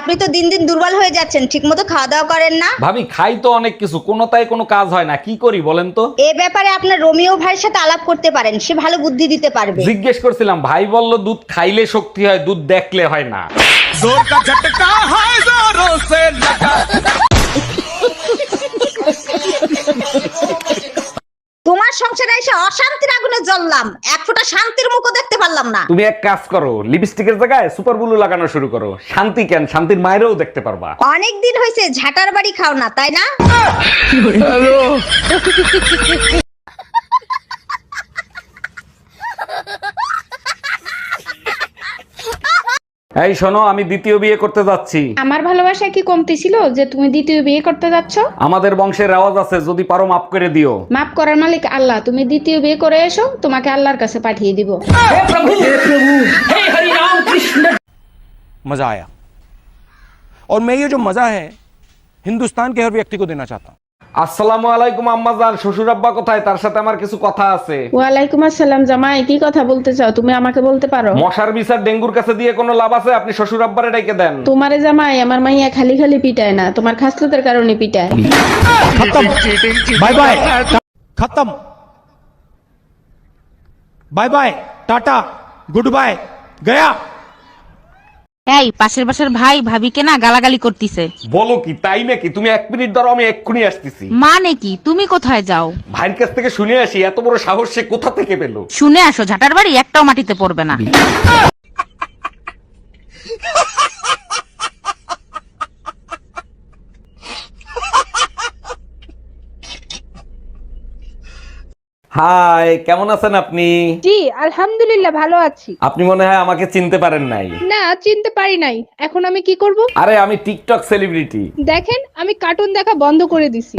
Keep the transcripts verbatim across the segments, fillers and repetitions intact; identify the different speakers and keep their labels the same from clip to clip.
Speaker 1: আপনি তো দিন দিন দুর্বল হয়ে যাচ্ছেন, ঠিকমতো খাওয়া দাওয়া করেন না।
Speaker 2: ভাবি খাই তো অনেক কিছু, কোনোটাই কোনো কাজ হয় না, কি করি বলেন তো?
Speaker 1: এ ব্যাপারে আপনার রোমিও ভাইয়ের সাথে আলাপ করতে পারেন, সে ভালো বুদ্ধি দিতে পারবে।
Speaker 2: জিজ্ঞেস করছিলাম, ভাই বলল দুধ খাইলে শক্তি হয়, দুধ দেখলে হয় না।
Speaker 1: তোমার সংসারে এসে অশান্তির আগুনে জ্বললাম, এক ফোঁটা শান্তির মুখও দেখতে পারলাম না।
Speaker 2: তুমি এক কাজ করো, লিপস্টিকের জায়গায় সুপার ব্লু লাগানো শুরু করো, শান্তি কেন, শান্তির মায়েরও দেখতে পারবা।
Speaker 1: অনেক দিন হয়েছে ঝাটার বাড়ি খাও না, তাই না?
Speaker 2: এই শোনো, আমি দ্বিতীয় বিয়ে করতে যাচ্ছি।
Speaker 3: আমার ভালোবাসা কি কমতি ছিল যে তুমি দ্বিতীয় বিয়ে করতে যাচ্ছ?
Speaker 2: আমাদের বংশের রেওয়াজ আছে, যদি পারো মাফ করে দিও।
Speaker 3: মাফ করার মালিক আল্লাহ, তুমি দ্বিতীয় বিয়ে করে এসো, তোমাকে আল্লাহর কাছে পাঠিয়ে দিব।
Speaker 4: मजा आया और मैं ये जो मजा है हिंदुस्तान के हर व्यक्ति को देना चाहता हूँ।
Speaker 2: আসসালামু আলাইকুম আম্মাজান, শ্বশুর আব্বা কোথায়? তার সাথে আমার কিছু কথা আছে।
Speaker 3: ওয়ালাইকুম আসসালাম জামাই, কি কথা বলতে চাও? তুমি আমাকে বলতে পারো।
Speaker 2: মশার বিচার ডেঙ্গুর কাছে দিয়ে কোনো লাভ আছে? আপনি শ্বশুর আব্বারে ডেকে দেন।
Speaker 3: তোমারে জামাই আমার মাইয়া খালি খালি পিটায় না, তোমার খাসলতের কারণে পিটায়।
Speaker 4: बाय बाय खत्म bye bye tata goodbye गया।
Speaker 5: এই পাশের বাসার ভাই ভাবিকে না গালাগালি করতিছে।
Speaker 2: বলো কি, তাই নাকি? তুমি এক মিনিট ধরো, আমি এক্ষুনি আসতেছি।
Speaker 5: মানে কি, তুমি কোথায় যাও?
Speaker 2: ভাইয়ের কাছ থেকে শুনে আসি, এত বড় সাহস সে কোথা থেকে পেলো।
Speaker 5: শুনে আসো, ঝাটার বাড়ি একটাও মাটিতে পড়বে না।
Speaker 2: হাই, কেমন আছেন আপনি?
Speaker 6: জি আলহামদুলিল্লাহ ভালো আছি।
Speaker 2: আপনি মনে হয় আমাকে চিনতে পারেন নাই।
Speaker 6: না চিনতে পারি নাই, এখন আমি কি করব?
Speaker 2: আরে আমি টিকটক সেলিব্রিটি।
Speaker 6: দেখেন আমি কার্টুন দেখা বন্ধ করে দিছি।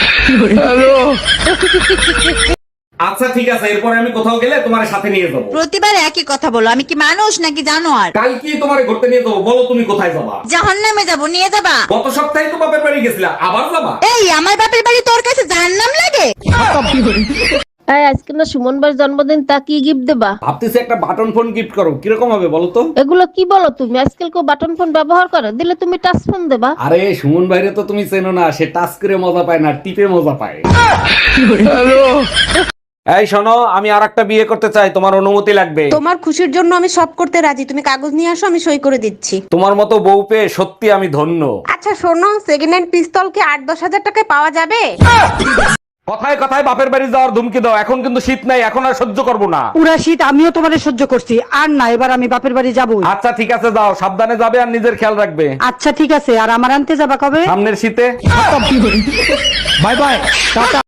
Speaker 2: আচ্ছা ঠিক আছে, এরপরে আমি কোথাও গেলে তোমার সাথে নিয়ে যাবো।
Speaker 7: প্রতিবার একই কথা বলো, আমি কি মানুষ নাকি জানোয়ার?
Speaker 2: কাল কি তোমার ঘুরতে নিয়ে যাবো, বলো তুমি কোথায় যাবা?
Speaker 7: জাহান্নামে যাবো, নিয়ে যাবা?
Speaker 2: গত সপ্তাহে তো বাপের বাড়ি গেছিলা, আবার যাবা?
Speaker 7: এই আমার বাপের বাড়ি তোর কাছে জাহান্নাম লাগে?
Speaker 8: এই আজকে না সুমন ভাইয়ের জন্মদিন, তা কি গিফট দেবা?
Speaker 2: ভাবতেছি একটা বাটন ফোন গিফট করো, কিরকম হবে বলো তো?
Speaker 8: এগুলো কি বলো তুমি? আজকাল কেউ বাটন ফোন ব্যবহার করে? দিলে তুমি টাচ ফোন দেবা।
Speaker 2: আরে সুমন ভাইরে তো তুমি চেনো না, সে টাচ করে মজা পায় না, টিপে মজা পায়। এই শোনো, আমি আর একটা বিয়ে করতে চাই, তোমার অনুমতি লাগবে।
Speaker 7: তোমার খুশির জন্য আমি সব করতে রাজি, তুমি কাগজ নিয়ে আসো, আমি সই করে দিচ্ছি।
Speaker 2: তোমার মতো বউ পেয়ে সত্যি আমি ধন্য।
Speaker 7: আচ্ছা শোনো, সেকেন্ড হ্যান্ড পিস্তল কি আট দশ হাজার টাকায় পাওয়া যাবে?
Speaker 2: কথায় কথায় বাপের বাড়ি যাওয়ার ধুমকি দাও, এখন কিন্তু শীত নাই, এখন আর সহ্য করবো না।
Speaker 9: পুরা শীত আমিও তোমারে সহ্য করছি, আর না এবার আমি বাপের বাড়ি যাবো।
Speaker 2: আচ্ছা ঠিক আছে, যাও, সাবধানে যাবে আর নিজের খেয়াল রাখবে।
Speaker 9: আচ্ছা ঠিক আছে, আর আমার আনতে যাবা কবে?
Speaker 2: সামনের শীতে।
Speaker 4: Bye bye Tata.